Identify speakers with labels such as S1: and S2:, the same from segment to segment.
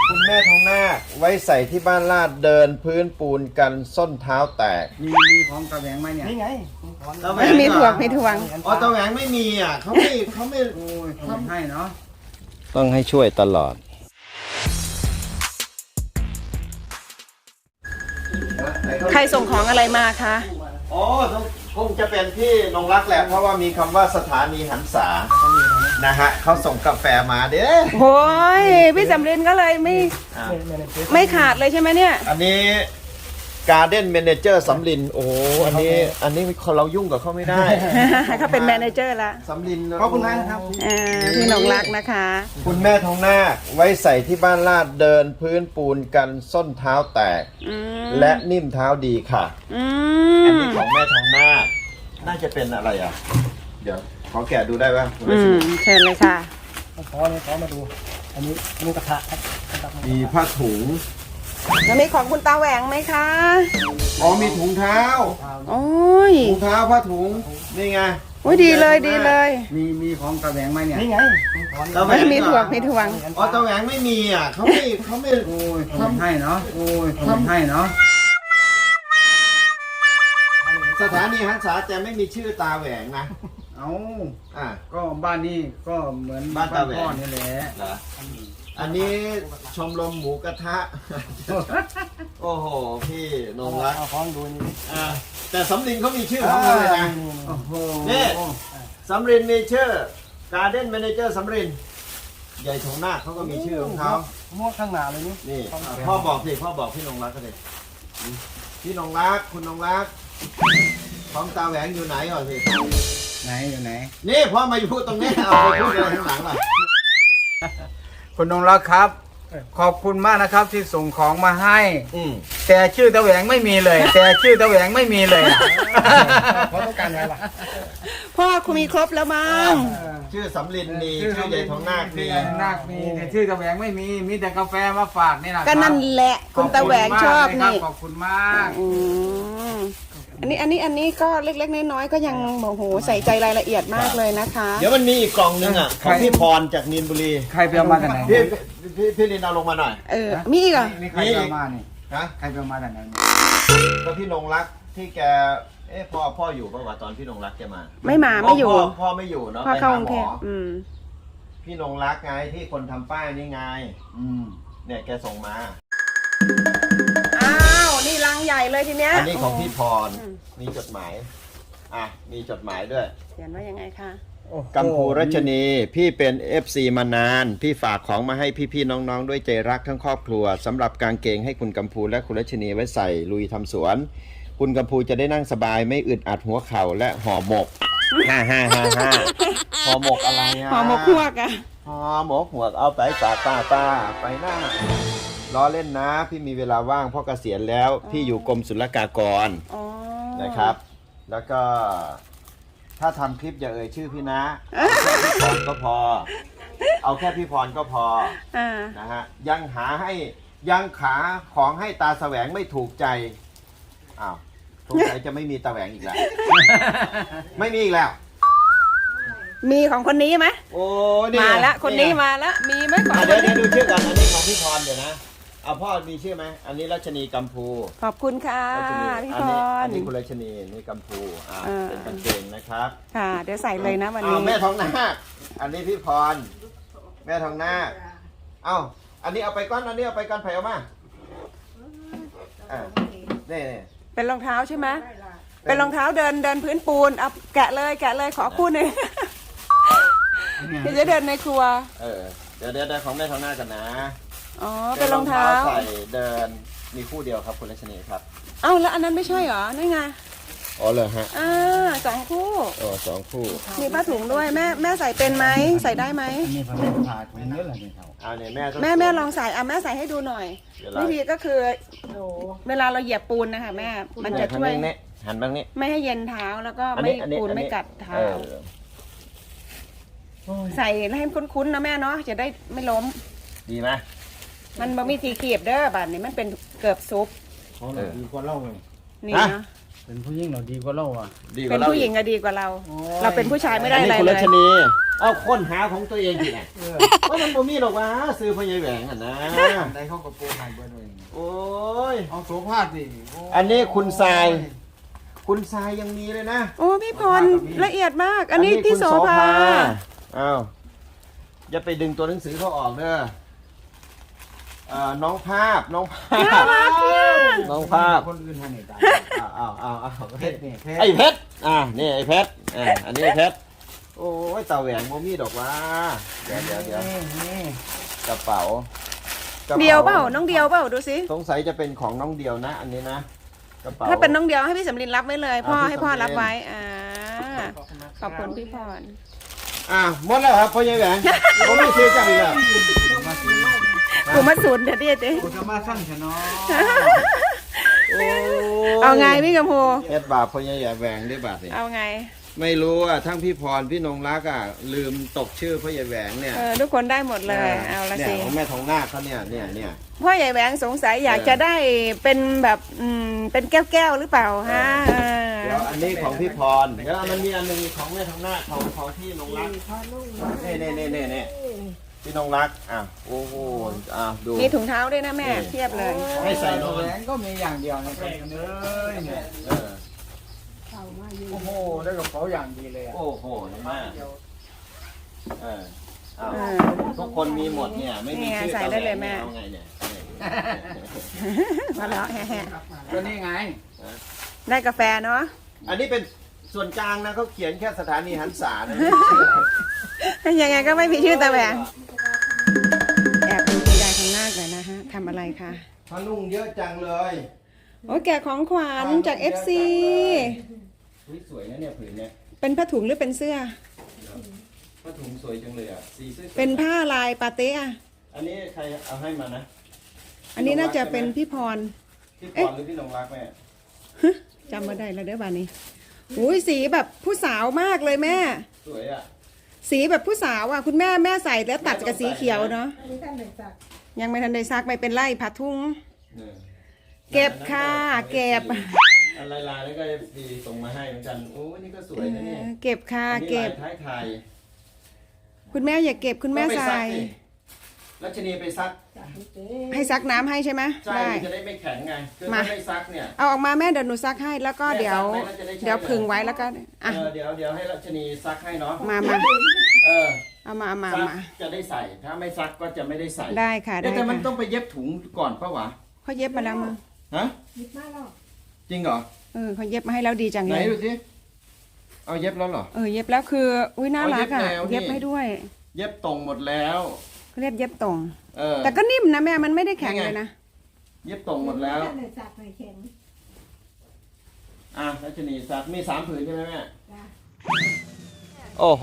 S1: คุณแม่ทองนาคไว้ใส่ที่บ้านลาดเดินพื้นปูนกันส้นเท้าแตก
S2: มีของตะแหวงไหมเนี่ยนี่ไง
S3: ไม่มีถ่วงไม่ถ่วง
S1: อ๋อตะแหวงไม่มีอ่ะเขาไม่
S2: โอ้ยทำให้เนาะ
S1: ต้องให้ช่วยตลอด
S3: ใครส่งของอะไรมาคะ
S1: อ๋อคงจะเป็นพี่นงรักแหละเพราะว่ามีคำว่าสถานีหันษานะฮะเขาส่งกาแฟมาเด้อ
S3: โอ้ยพี่สำรินก็เลยไม่ขาดเลยใช่ไหมเนี่ย
S1: อันนี้การ์เด้นเมเนเจอร์สำลินโอ้โหอันนี้เรายุ่งกับเขาไม่ได้
S3: เขาเป็นแมเนเจอร์ละ
S1: สำลิน
S2: ขอบคุณมากนะครับ
S3: พี่หนงรักนะคะ
S1: คุณแม่ทองนาคไว้ใส่ที่บ้านลาดเดินพื้นปูนกันส้นเท้าแตก และนิ่มเท้าดีค่ะ อันนี้ของแม่ทองนาคน่าจะเป็นอะไรอ่ะ เดี๋ยวขอแกะดูได้ป่ะ
S3: เชิญเลยค่ะ
S2: ขอมาดู อันนี้กระทะครับ
S1: มีผ้าถุง
S3: แล้วมีของคุณตาแหวงไหมคะ
S1: อ๋อมีถุงเท้า
S3: โอ้ย
S1: ถุงเท้าผ้าถุงนี่ไง
S3: โอ้ยดีเลยดีเลย
S2: มีของตะแหวงไหมเนี่ยนี่ไง
S1: ตะแหว
S3: ไม่
S1: ง
S3: มีถ่วงไม่ถ่วง
S1: อ๋อตะแหวงไม่มีอ่ะเขาไม่
S2: โอ้ยทำให้เนาะโอ้ยทำให้เนาะ
S1: สถานีหันษาแต่ไม่มีชื่อตาแหวงนะ
S2: เอา
S1: อ่ะ
S2: ก็บ้านนี้ก็เหมือน
S1: บ้านตาแหวง
S2: พ่อนี่แหละ
S1: เหรออันนี้ชมรมหมูกระทะ โอ้โหพี่นงรัก
S2: เอาของดูนี่
S1: แต่สำลินเขามีชื่อของเขาเลยนะ
S2: โอ้โห
S1: นี่สำรินมีชื่อ Garden Manager สำรินใหญ่ถงนาคเขาก็มีชื่อของเขา
S2: มวกข้างหน้าเลยนี่
S1: นี่พ่อบอกสิพ่อบอกพี่นงรักก็เลยพี่นงรักคุณนงรักของตาแหวงอยู่ไหนก่อนสิ
S2: ไหนอยู่ไหน
S1: นี่พ่อมาอยู่ตรงนี้เอาไปพูดอะไรข้างหลังล่ะ
S2: คุณนงรักครับ ขอบคุณมากนะครับที่ส่งของมาให้
S1: อืม
S2: แต่ชื่อตะแหวงไม่มีเลย แต่ชื่อตะแหวงไม่มีเลยเขาต้องการอะไรล่ะ
S3: พ่อคุณมีครบแล้วมั้ง
S1: ชื่อสำรินมีชื่อใหญ่ถงนาคมี
S2: นาคมีแต่ชื่อตะแหวงไม่มีมีแต่กาแฟมาฝากนี่นะ
S3: ก็นั่นแหละคุณตาแหวงชอบนี่
S2: ขอบคุณมาก
S3: อืมอันนี้ก็เล็กๆน้อยๆก็ยังโอ้โหใส่ใจรายละเอียดมากเลยนะคะ
S1: เดี๋ยวมันมีอีกกล่องนึงอ่ะของพี่พรจากนีนบุรี
S2: ใครไปเอามาจากไหน
S1: พี่ลินเอาลงมาหน่อย
S3: มีอีกเหรอ
S2: นี่ใครไปเอามานี่
S1: ฮะ
S2: ใครไปเอามาจากไหน
S1: ก็พี่นงรักที่แกพ่ออยู่ป่าวะตอนพี่นงรักแกมา
S3: ไม่อยู่
S1: พ่อไม่อยู่เนาะ
S3: พ่อ
S1: ไป
S3: เข้า
S1: หาก
S3: รุง
S1: หม
S3: เท
S1: อ
S3: พ
S1: พี่นงรักไงที่คนทำป้ายนี่ไงเนี่ยแกส่งมา
S3: อ้าวนี่ลังใหญ่เลยทีเนี้ย
S1: อันนี้ของพี่พรมีจดหมายมีจดหมายด้วย
S3: เขียนว่ายังไงคะ
S1: กัมพูรัชนีพี่เป็น FC มานาน พี่ฝากของมาให้พี่ๆน้องๆด้วยใจรักทั้งครอบครัวสำหรับกางเกงให้คุณกัมพูและคุณรัชนีไว้ใส่ลุยทำสวน คุณกัมพูจะได้นั่งสบายไม่อึดอัดหัวเข่าและห่อหมกห่อหมกอะไรอ่ะ
S3: ห่อหมกพวกอะ
S1: ห่อหมกหัวกเอาไปฝากป้าไปหน้าล้อเล่นนะ พี่มีเวลาว่างเพราะเกษียณแล้ว พี่อยู่กรมศุลกากรนะครับ แล้วก็ถ้าทำคลิปอย่าเอ่ยชื่อพี่นะเอาแค่พี่พรก็พอ เอาแค่พี่พรก็พอนะฮะยังขาของให้ตาแสวงไม่ถูกใจอ้าวสงสัยจะไม่มีตาแหวงอีกแล้ว ไม่มีอีกแล้ว
S3: มีของคนนี้ไหม
S1: โอ้นี่
S3: มาแล้วคนนี้มาแล้วมีไหมของ
S1: เดี๋ยวดูชื่อก่อนอันนี้ของพี่พรเดี๋ยวนะเอาพ่อมีชื่อไหมอันนี้รัชนีกัมพู
S3: ขอบคุณค่ะ
S1: รัชนี
S3: พี่
S1: อั
S3: พ
S1: น
S3: ร
S1: นี้คุณรัชนีนี่กัมพูเป็นกางเกงนะครับ
S3: ค่ะเดี๋ยวใส่เลยนะวันนี้
S1: แม่ทองนาคอันนี้พี่พรแม่ทองนาคอันนี้เอาไปก้อนอันนี้เอาไปก้อนไผ่เอามานี่
S3: เป็นรองเท้าใช่ไหมเป็นรองเท้าเดินพื้นปูนเอาแกะเลยขอคู่หนึ่งเดี๋ยวจะเดินในครัว
S1: เดี๋ยวของแม่ทองนาคกันนะ
S3: อ๋อเป็นรองเท้า
S1: ใส่เดินมีคู่เดียวครับคุณรัชนีครับ
S3: เอ้าแล้วอันนั้นไม่ใช่เหรอนั่นไง
S1: อ๋อเหรอฮะ
S3: 2 คู่
S1: สองคู่
S3: มีผ้าถุงด้วยแม่ใส่เป็นไหมใส่ได้ไหม
S2: นี่ผมเป็นผ่าถุงเยอะเลยนี่เขา
S1: เนี่ย
S3: แม่ลองใส่แม่ใส่ให้ดูหน่อยวิธีก็คือเวลาเราเหยียบปูนนะคะแม่มันจะช่วย
S1: หันบ้างนี่
S3: ไม่ให้เย็นเท้าแล้วก็ไม่ปูนไม่กัดเท้าใส่ให้คุ้นๆนะแม่เนาะจะได้ไม่ล้ม
S1: ดีไหม
S3: มันบ่มีสีเขียบเด้อบัดนี้มันเป็นเกือบซุป
S2: เขาเราดีกว่าเราเลย
S3: นี่นะ
S2: เป็นผู้หญิงเราดีกว่าเราอ่ะ
S3: เป็นผู้หญิงก็ดีกว่าเรา เราเป็นผู้ชายไม่ได้อะไร
S1: คุณ
S3: เล
S1: รั
S3: ย
S1: ชนีเอาค้นหาของตัวเองทีไหนว่ามันบ่มีหรอกวะซื้อพ่อใหญ่แหวงอ่ะนะ
S2: ได้เขาก็โปรไฮเบอร์ด้วย
S1: โอ้ย
S2: เอาโสภาพดิ
S1: อันนี้คุณทราย คุณทรายยังมีเลยนะ
S3: โอ้พี่พรละเอียดมาก อันนี้พี่โสภา
S1: อ้าวอย่าไปดึงตัวหนังสือเขาออกเด้อน้องภาพน้องภาพน้องภาพ
S2: คนอื่นให้เนี่ยได้
S1: อ้าว
S2: เพชรนี่เพชร
S1: ไอ้เพชรนี่ไอ้เพชรอันนี้ไอ้เพชรโอ้ยตาแหวงโมมี่ดอกว่าเดี๋ยว
S2: นี่
S1: กระเป๋า
S3: เดียวเปล่าน้องเดียวเปล่าดูสิ
S1: สงสัยจะเป็นของน้องเดียวนะ อันนี้นะกระเป๋า
S3: ถ้าเป็นน้องเดียวให้พี่สำลินรับไว้เลย พ่อ
S1: พี่
S3: ให้พ่อ
S1: สำลิน
S3: รับไว้ขอบคุณพี่พร
S1: หมดแล้วครับพ่อใหญ่แหวงผมไม่ซื้อจังเลย
S3: กูมาศูนย์เดี๋ยวดิเจ๊
S2: กูจะมาสั่งฉันเนาะ
S3: เอาไงพี่กำพู
S1: เอ็ดบาทพ่อใหญ่แหวงได้บาทนี่
S3: เอาไง
S1: ไม่รู้ทั้งพี่พรพี่นงรักลืมตกชื่อพ่อใหญ่แหวงเนี่ย
S3: ทุกคนได้หมดเลยเอาละ
S1: เนี่ย
S3: สิ
S1: ของแม่ทองนาคเขาเนี่ย
S3: พ่อใหญ่แหวงสงสัยอยากจะได้เป็นแบบเป็นแก้วหรือเปล่าฮะ
S1: เดี๋ยวอันนี้ของพี่พรเดี๋ยวมันมีอันหนึงของแม่ทองนาคของพี่นงรักนี่พี่นงรักโอ้โหดู
S3: มีถุงเท้าด้วยนะแม่เทียบเลย
S1: ให้ใส่นอน
S2: แหวนก็มีอย่างเดียวนะครับเลยเนี่ยโอ้โหได้กระเป๋าอย่างดีเลยอ่ะ
S1: โอ้โหมากทุกคนมีหมดเนี่ยไม่มีชื่อ
S3: ใส่ได้เลยแม่
S1: เอาไงเนี่ย
S3: มาแล้วแฮะ
S2: ก็นี่ไง
S3: ได้กาแฟเนาะ
S1: อันนี้เป็นส่วนกลางนะเขาเขียนแค่สถานีหันษานะ
S3: ยังไงก็ไม่มีชื่อตาแหวงแอบดูคุณยายข้างหน้าหน่อยนะฮะทำอะไรคะ
S1: พนุ่งเยอะจังเลย
S3: โอ้แกะของขวัญจาก FC
S1: สวยนะเนี่ยผืนเนี่ย
S3: เป็นผ้าถุงหรือเป็นเสื้อ
S1: ผ้าถุงสวยจังเลยสีสวย
S3: เป็นผ้าลายปาเต้อะ
S1: อันนี้ใครเอาให้มานะ
S3: อันนี้น่าจะเป็นพี่พร
S1: พี่พรหรือพี่นงรักแม่
S3: จำมาได้แล้วเด้อบานนี้อุ้ยสีแบบผู้สาวมากเลยแม่
S1: สวย
S3: สีแบบผู้สาวอ่ะคุณแม่ใส่แล้วตัดกับสีเขียวเนาะยังไม่ทันได้ซักไม่เป็นไรผัดทุ่งเก็บค่ะเก็บ
S1: อะไรลายแล้วก็ดีส่งมาให้เหมือนกันโอ้นี่ก็สวยนะเนี่ย
S3: เก็บค่ะเก็บ
S1: ท้ายไทย
S3: คุณแม่อย่าเก็บคุณแม่ใส่
S1: รัชนีไปซัก
S3: ให้ซักน้ำให้ใช่ไหม
S1: ใช่
S3: ได้
S1: จะได้ไม่แข็งไงคือถ้าไม่ซักเนี่ย
S3: เอาออกมาแม่เดี๋ยวหนูซักให้แล้วก็เดี๋ยวพึ่งไว้แล้วก็อ่ะ
S1: เดี๋ยวให้รัชนีซักให้เนาะ
S3: มาเอามา
S1: ซักจะได้ใส่ถ้าไม่ซักก็จะไม่ได้ใส่
S3: ได้ค่ะได้
S1: แต่มัน
S3: ค่ะ
S1: ต้องไปเย็บถุงก่อนปะวะ
S3: เขาเย็บมาแล้วมึง
S1: ฮะจริงเหรอ
S3: เขาเย็บมาให้แล้วดีจัง
S1: ไหน
S3: เลย
S1: ดูสิเอาเย็บแล้วเหรอ
S3: เย็บแล้วคืออุ้ยน่ารักอ่ะ
S1: เย็บแล้วนี่
S3: เย็บให้ด้วย
S1: เย็บตรงหมดแล้ว
S3: เขาเรียกเย็บตรง
S1: แต่
S3: แต่ก็นิ่มนะแม่มันไม่ได้แข็งเลยนะ
S1: เย็บตรงหมดแล้วรัชนีซักมี3ผืนใช่ไหมแม่โอ้โห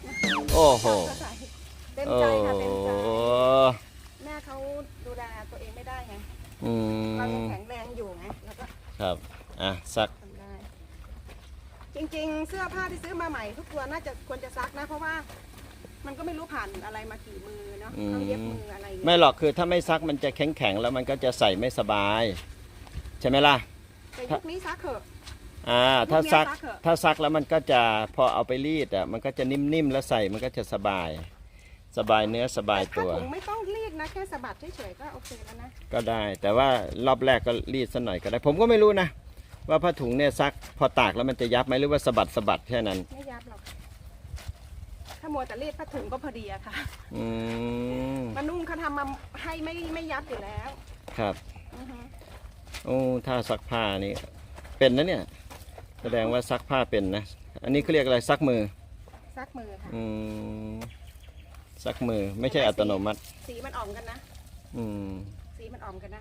S3: เต็มใจค่ะเต็มใจแม่เขาดูแลตัวเองไม่ได้ไงเรายังแข็งแรงอยู่ไงแล้วก็
S1: ครับซัก
S3: ทำได้จริงๆเสื้อผ้าที่ซื้อมาใหม่ทุกตัวน่าจะควรจะซักนะเพราะว่ามันก็ไม่รู้ผ่านอะไรมากี่มือเนาะเขาเย็บมืออะไรอย่างเงี้ย
S1: ไม่หรอกคือถ้าไม่ซักมันจะแข็งแล้วมันก็จะใส่ไม่สบายใช่ไหมล่ะ
S3: แต่ยุคนี้ซักเถอะ
S1: ถ้าซัก
S3: ยุคนี้ซักเถอะ
S1: ถ้าซักแล้วมันก็จะพอเอาไปรีดมันก็จะนิ่มๆแล้วใส่มันก็จะสบายเนื้อสบาย
S3: แต่
S1: ตัว
S3: ผ้าถุงไม่ต้องรีดนะแค่สะบัดเฉยๆก็โอเคแล้วนะ
S1: ก็ได้ แต่ว่ารอบแรกก็รีดสักหน่อยก็ได้ ผมก็ไม่รู้นะว่าผ้าถุงเนี่ยซักพอตากแล้วมันจะยับไหมหรือว่าสะบัดแค่นั้น
S3: ไม่ยับหรอกถ้ามัวแต่รีดผ้าถุงก็พอดีอะค่ะ มานุ่งเขาทำมาให้ไม่ยับอยู่แล้ว
S1: ครับ
S3: อือฮึ
S1: โอ้ถ้าซักผ้านี่เป็นนะเนี่ยแสดงว่าซักผ้าเป็นนะอันนี้เขาเรียกอะไรซักมือ
S3: ซักมือค่ะ
S1: ซักมือไม่ใช่อัตโนมัติ
S3: สีมันอ่อมกันนะ สีมันอ่อมกันนะ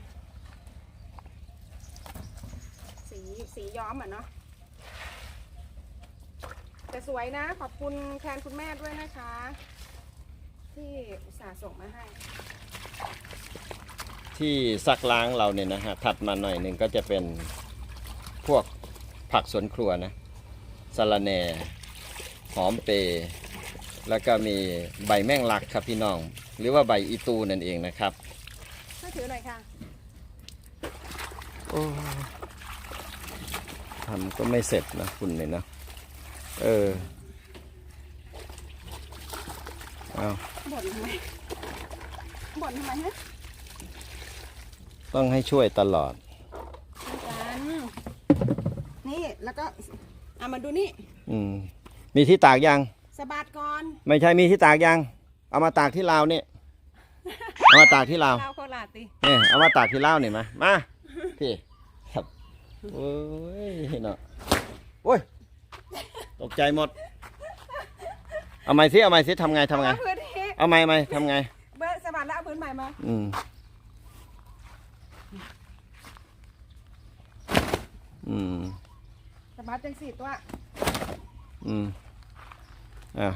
S3: สีย้อมอ่ะเนาะแต่สวยนะขอบคุณแทนคุณแม่ด้วยนะคะ ที่อุตส่าห์ส่งมาให้
S1: ที่ซักล้างเราเนี่ยนะฮะถัดมาหน่อยหนึ่งก็จะเป็นพวกผักสวนครัวนะสะระแหน่หอมเปรย์แล้วก็มีใบแมงลักครับพี่น้อง หรือว่าใบอีตูนั่นเองนะครับ
S3: ช่วยถือหน่อยค่ะ
S1: ทำก็ไม่เสร็จนะคุณเลยนะเอา
S3: บ่นทำไมบ่นทำไมฮะ
S1: ต้องให้ช่วยตลอด
S3: กันนี่แล้วก็เอามาดูนี่
S1: มีที่ตากยัง
S3: สะบัดก่อน
S1: ไม่ใช่มีที่ตากยัง เอามาตากที่ลาวนี่ เอามาตากที่ลาว
S3: เราโคราชติ
S1: เนี่ยเอามาตากที่ลาวนี่มาพี่ครับโอ้ยเนาะโอ้ยตกใจหมด เอาไม้สิทำไง
S3: เอาพื้นที่
S1: เอาไม้ทำไง
S3: เบิร์สะบัดแล้วเอาพื้นใหม่มา สะบัดจังสิตัว
S1: อ่ะ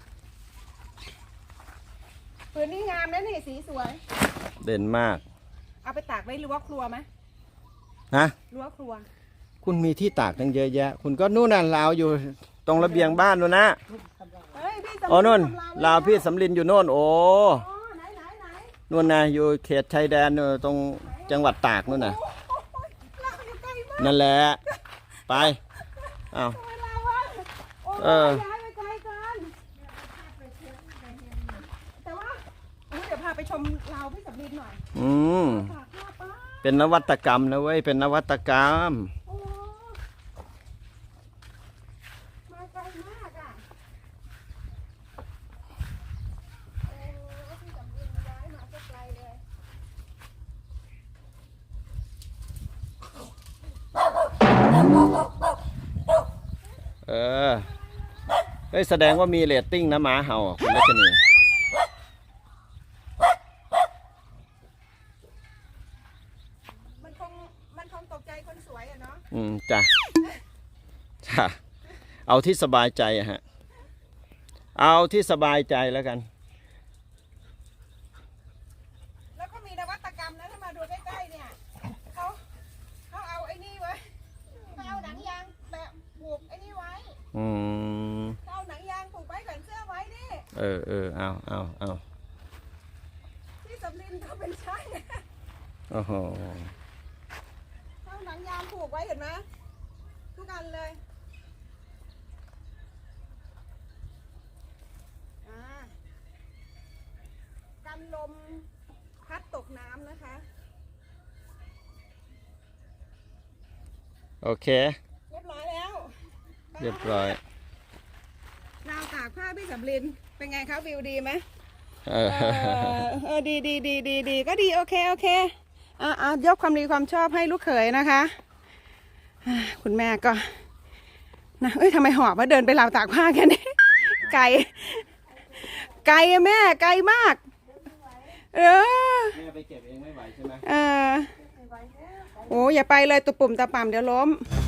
S3: พื้นนี่งามนะนี่สีสวย
S1: เด่นมาก
S3: เอาไปตากไว้รั้วครัวไหม
S1: ฮะ
S3: รั้วครัว
S1: คุณมีที่ตากตั้งเยอะแยะ คุณก็นู่นน่ะลาวอยู่ตรงระเบียงบ้านนู่นนะ
S3: เฮ้ยพี่
S1: โอ้นู่น
S3: ทำ
S1: ลาวพี่สำลินอยู่โน่นโอ้
S3: อ๋อไหน
S1: นู่นนะอยู่เขตชายแดนนู่นตรงจังหวัดตากนู่นน่ะ
S3: โอ้ยลาวอยู่ไกลมาก
S1: นั่นแหละ ไปอ้าว
S3: ทำไมลาววะโอ้ย
S1: เออ
S3: ย้ายไปไกลเกินแต่ว่าเดี๋ยวพาไปชมลาวพี่สำลินหน่อย ตากผ้าป้า
S1: เป็นนวัตกรรมนะเว้ย เป็นนวัตกรรม
S3: โอ้มาไกลมากอ่ะโอ้พี่สำลินย้ายมาก็ไกลเลย
S1: เออ เฮ้ยแสดงว่ามีเรตติ้งนะหมาเห่าอ่ะคุณรัชนี
S3: มันคงตกใจคนสวยอะเนาะ
S1: จ้ะ จ้ะ เอาที่สบายใจอะฮะ เอาที่สบายใจแล้วกัน
S3: แล้วก็มีนวัตกรรมนะถ้ามาดูใกล้ๆเนี่ยเขาเอาไอ้นี่ไว้เขาเอาหนังยางแบบผูกไอ้นี่ไว้ เขาเอาหนังยางผูกไว้แขวนเสื้อไว้ดิ
S1: เอา
S3: ที่สำลินเขาเป็นช่าง
S1: โอ้โห
S3: เขาเอาหนังยางผูกไว้เห็นไหมทุกอันเลยอ่ากันลมพัดตกน้ำนะคะ
S1: โอเค
S3: เรียบร้อยแล้ว
S1: เรียบร้อย
S3: ราวตากผ้าพี่สำลินเป็นไงคะวิวดีไหม
S1: เออ
S3: ดีก็ดีโอเคยกความดีความชอบให้ลูกเขยนะคะคุณแม่ก็นะเอ้ยทำไมหอบว่าเดินไปราวตากผ้าแค่นี้ ไกลอะแม่ไกลมาก
S1: แม่ไปเก็บเองไม่ไหวใช่ไหม
S3: โอ้อย่าไปเลยตุ่มตะป่ำเดี๋ยวล้ม